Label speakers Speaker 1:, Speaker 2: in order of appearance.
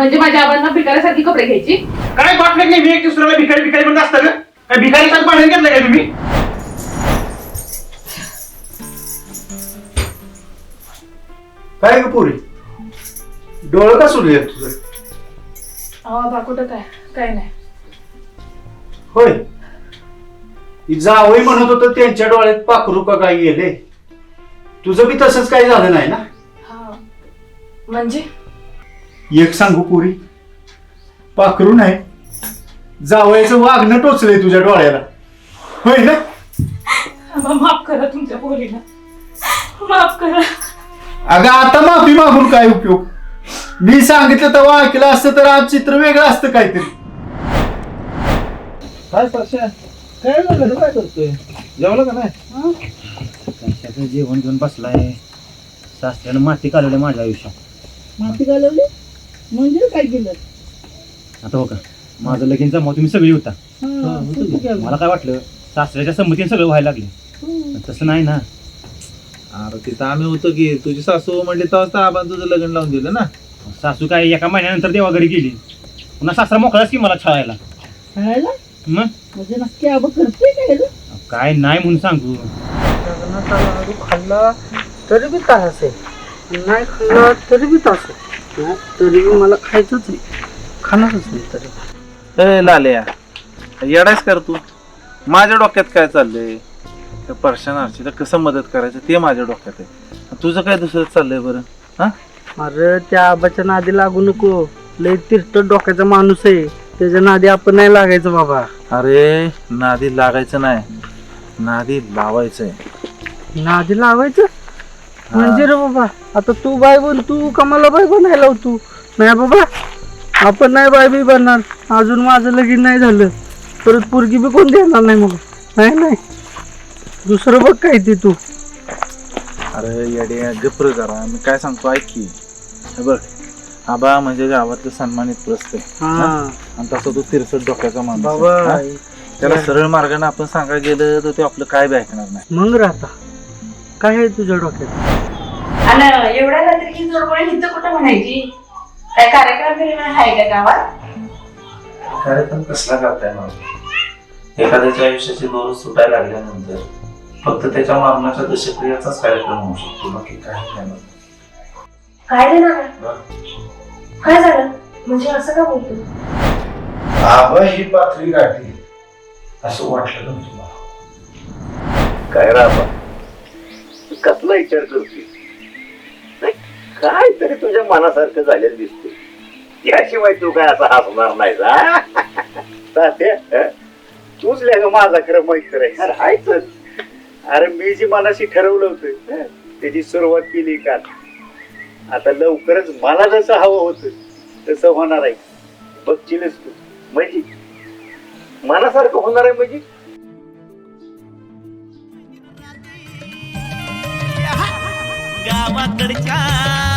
Speaker 1: म्हणजे माझ्या आबांना भिकाऱ्यासारखी कपडे घ्यायची?
Speaker 2: काय वाटलं नाही मी एक दुसऱ्याला भिकारी भिकारी म्हणत असतं का? काय भिकारीचं भांडण घेतलं काय तुम्ही?
Speaker 3: काय ग पोरी, डोळं का सुरू आहे तुझं?
Speaker 1: आबा कुठं काय नाही.
Speaker 3: होय, जावई म्हणत होतं त्यांच्या डोळ्यात पाखरू का काय गेले. तुझं बी तसंच काही झालं नाही ना?
Speaker 1: हा म्हणजे
Speaker 3: एक सांगू पोरी, पाखरू नाही, जावयाचं वागणं टोचलंय तुझ्या डोळ्याला. होय ना?
Speaker 1: आबा माफ करा तुमच्या पोरीला, माफ करा.
Speaker 3: अगं आता माफी मागून काय उपयोग? मी सांगितलं तेव्हा ऐकलं असतं तर आज चित्र वेगळं असतं काहीतरी.
Speaker 4: काय परश्या, काय झालं? काय करतोय? जेवलं का नाही?
Speaker 5: कशाचं जेवण घेऊन बसलाय. सासऱ्यानं माती कालवली माझ्या आयुष्यात.
Speaker 4: माती घालवली म्हणजे काय केलं?
Speaker 5: आता हो का, माझं लगीन जमाव तुम्ही सगळी होता. मला काय वाटलं सासऱ्याच्या संमतीने सगळं व्हायला लागले, पण तसं नाही ना.
Speaker 4: अरे तिथं आम्ही होतो की तुझी सासू म्हणली तेव्हाच आपण तुझं लग्न लावून दिलं ना.
Speaker 5: सासू काय एका महिन्यानंतर देवा घरी गेली, पुन्हा सासरा मोकळाच की मला छळायला. मग
Speaker 4: म्हणजे नक्की आबा करते काय?
Speaker 5: काय नाही म्हणून सांगू.
Speaker 4: लग्नाचा लाडू खाल्ला तरी बी त्रास आहे, नाही खाल्ला तरी बी त्रास आहे, तरी बी मला खायचंच आहे, खाणारच नाही तरी.
Speaker 6: ए लाल्या, येडायच कर तू. माझ्या डोक्यात काय चाललंय, त्या परशानार्चीला कसं मदत करायचं ते माझ्या डोक्यात आहे. तुझं काय दुसरं चाललंय बरं? हा,
Speaker 4: अरे त्या आबाच्या नादी लागू नको, लय तिरट डोक्याचा माणूस आहे, त्याच्या नादी आपण नाही लागायचं बाबा.
Speaker 6: अरे नादी लागायचं नाही, नादी लावायचंय.
Speaker 4: नादी लावायचं म्हणजे रे बाबा, आता तू बाय बन, तू कमाला बाय बनाय लाव तू. नाही बाबा, आपण नाही बाय बी बनणार. अजून माझं लगीन नाही झालं, परत पोरगी बी कोण देणार नाही मला. नाही नाही, दुसरं बघ काय ते तू.
Speaker 6: अरे येडे गप्र जरा, मी काय सांगतो ऐक की. हे बघ, आबा म्हणजे गावातलं सन्मानित प्रस्त आहे, आणि तसं तू तिरसट डोक्याचा माणूस आहे.
Speaker 4: बाबा
Speaker 6: हा? त्याला सरळ मार्गाने आपण सांगायला गेलं तर ते आपलं काय बी ऐकणार नाही.
Speaker 4: मग राहता काय आहे तुझ्या डोक्यात?
Speaker 1: आणि एवढ्या रात्री ही जोडगोळी हिथं कुठं म्हणायची? काय कार्यक्रम बिर्यक्रम आहे का गावात?
Speaker 6: कार्यक्रम कसला करताय मग? एखाद्याच्या आयुष्याचे दोर सुटायला लागल्यानंतर फक्त त्याच्या मरणाच्या दशक्रियाचाच कार्यक्रम होऊ शकतो, बाकी काही नाही.
Speaker 1: काय देणार? काय झालं म्हणजे असं का बोलतो?
Speaker 3: आबा ही पाथरी गाठी असं वाटलं ना तुला?
Speaker 7: काय राबा, कसला विचार करते? काय तरी तुझ्या मनासारखं झालेलं दिसते, याशिवाय तू काय असा हसणार नाही जा. तात्या, तूच ग माझा खरं मैत्र आहे. अरे हायच. अरे मी जी मनाशी ठरवलं होतं त्याची सुरुवात केली का, आता लवकरच मला जसं हवं होतं तसं होणार आहे. बघशीलच तू, म्हणजे मनासारखं होणार आहे. म्हणजे
Speaker 8: गावाकडच्या